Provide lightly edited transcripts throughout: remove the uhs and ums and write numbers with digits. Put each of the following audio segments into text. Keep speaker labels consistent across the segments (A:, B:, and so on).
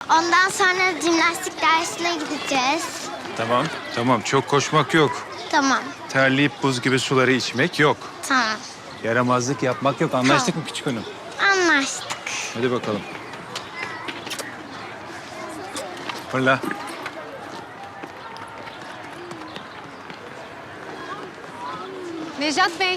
A: Ondan sonra jimnastik dersine gideceğiz.
B: Tamam, tamam. Çok koşmak yok.
A: Tamam,
B: Terleyip buz gibi suları içmek yok.
A: tamam.
B: Yaramazlık yapmak yok. Anlaştık mı küçük hanım?
A: Anlaştık.
B: Hadi bakalım. Fırla.
C: Nejat Bey,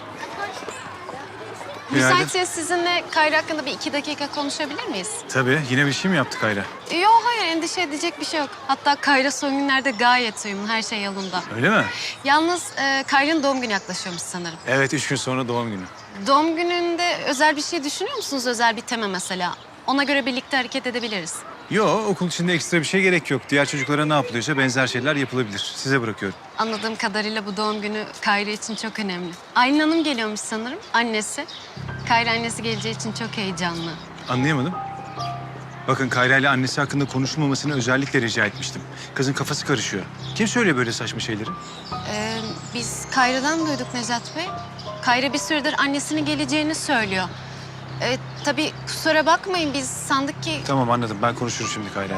B: Günaydın.
C: müsaitse sizinle Kayra hakkında bir 2 dakika konuşabilir miyiz?
B: Tabii. Yine bir şey mi yaptık Kayra?
C: Yok, hayır, endişe edecek bir şey yok. Hatta Kayra son günlerde gayet uyumlu, her şey yolunda.
B: Öyle mi?
C: Yalnız Kayra'nın doğum günü yaklaşıyormuş sanırım.
B: Evet, 3 gün sonra doğum günü.
C: Doğum gününde özel bir şey düşünüyor musunuz? Özel bir tema mesela. Ona göre birlikte hareket edebiliriz.
B: Yo, okul içinde ekstra bir şey gerek yok. Diğer çocuklara ne yapılıyorsa benzer şeyler yapılabilir. Size bırakıyorum.
C: Anladığım kadarıyla bu doğum günü Kayra için çok önemli. Aylin Hanım geliyormuş sanırım, annesi. Kayra annesi geleceği için çok heyecanlı.
B: Anlayamadım. Bakın Kayra ile annesi hakkında konuşulmamasını özellikle rica etmiştim. Kızın kafası karışıyor. Kim söylüyor böyle saçma şeyleri?
C: Biz Kayra'dan duyduk Nejat Bey. Kayra bir süredir annesinin geleceğini söylüyor. Tabii kusura bakmayın, biz sandık ki...
B: Tamam, anladım. Ben konuşurum şimdi Kayra ile.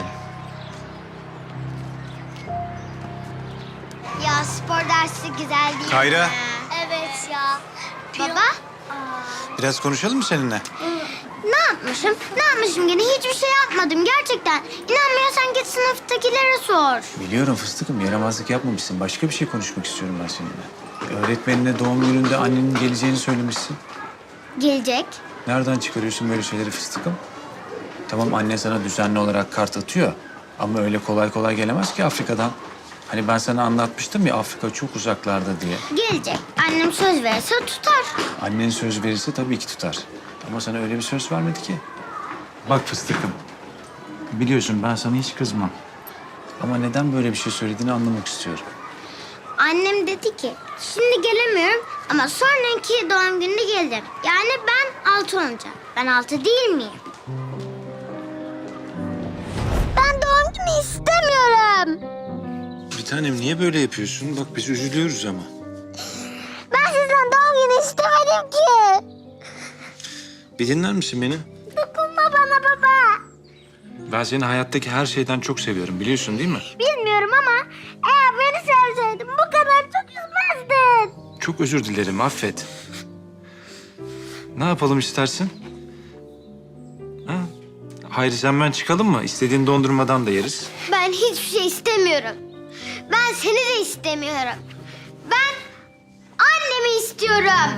A: Ya spor dersi güzel değil
B: Kayra.
A: mi? Evet ya. Baba?
B: Biraz konuşalım mı seninle?
A: Ne yapmışım? Ne yapmışım gene? Hiçbir şey yapmadım gerçekten. İnanmıyorsan git sınıftakilere sor.
B: Biliyorum fıstıkım, yaramazlık yapmamışsın. Başka bir şey konuşmak istiyorum ben seninle. Öğretmenine doğum gününde annenin geleceğini söylemişsin.
A: Gelecek.
B: Nereden çıkarıyorsun böyle şeyleri fıstıkım? Tamam, anne sana düzenli olarak kart atıyor. Ama öyle kolay kolay gelemez ki Afrika'dan. Hani ben sana anlatmıştım ya, Afrika çok uzaklarda diye.
A: Gelecek. Annem söz verirse tutar.
B: Annen söz verirse tabii ki tutar. Ama sana öyle bir söz vermedi ki. Bak fıstıkım, biliyorsun ben sana hiç kızmam. Ama neden böyle bir şey söylediğini anlamak istiyorum.
A: Annem dedi ki şimdi gelemiyorum ama sonraki doğum gününe geleceğim. Yani ben 6 olacağım. Ben 6 değil miyim? Ben doğum günü istemiyorum.
B: Bir tanem, niye böyle yapıyorsun? Bak biz üzülüyoruz ama.
A: Ben sizden doğum günü istemedim ki.
B: Bir dinler misin beni?
A: Dokunma bana baba.
B: Ben seni hayattaki her şeyden çok seviyorum, biliyorsun değil mi?
A: Bilmiyorum ama eğer beni sevseydin bu kadar çok üzmezdin.
B: Çok özür dilerim, affet. Ne yapalım istersin? Ha? Hayır, sen ben çıkalım mı? İstediğin dondurmadan da yeriz.
A: Ben hiçbir şey istemiyorum. Ben seni de istemiyorum. Ben annemi istiyorum.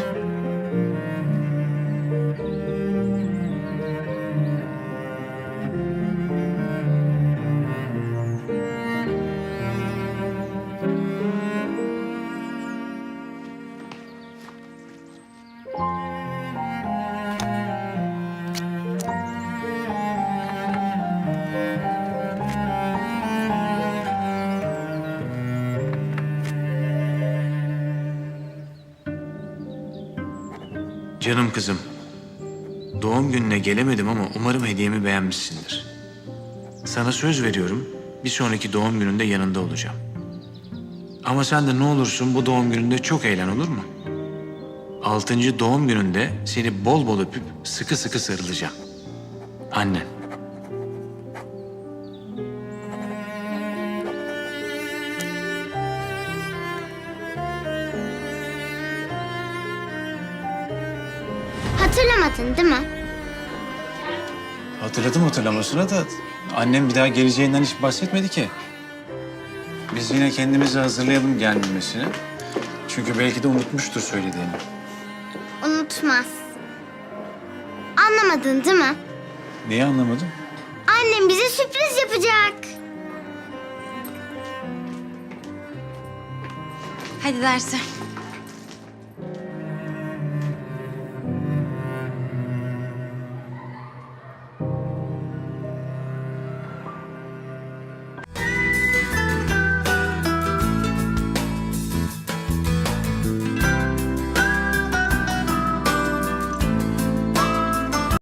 B: Canım kızım, doğum gününe gelemedim ama umarım hediyemi beğenmişsindir. Sana söz veriyorum, bir sonraki doğum gününde yanında olacağım. Ama sen de ne olursun bu doğum gününde çok eğlen, olur mu? 6. doğum gününde seni bol bol öpüp sıkı sıkı sarılacağım. Annen.
A: Hatırlamadın değil mi?
B: Hatırladım hatırlamasına da annem bir daha geleceğinden hiç bahsetmedi ki. Biz yine kendimizi hazırlayalım gelmemesine. Çünkü belki de unutmuştur söylediğini.
A: Unutmaz. Anlamadın değil mi?
B: Neyi anlamadım?
A: Annem bize sürpriz yapacak.
C: Hadi derse.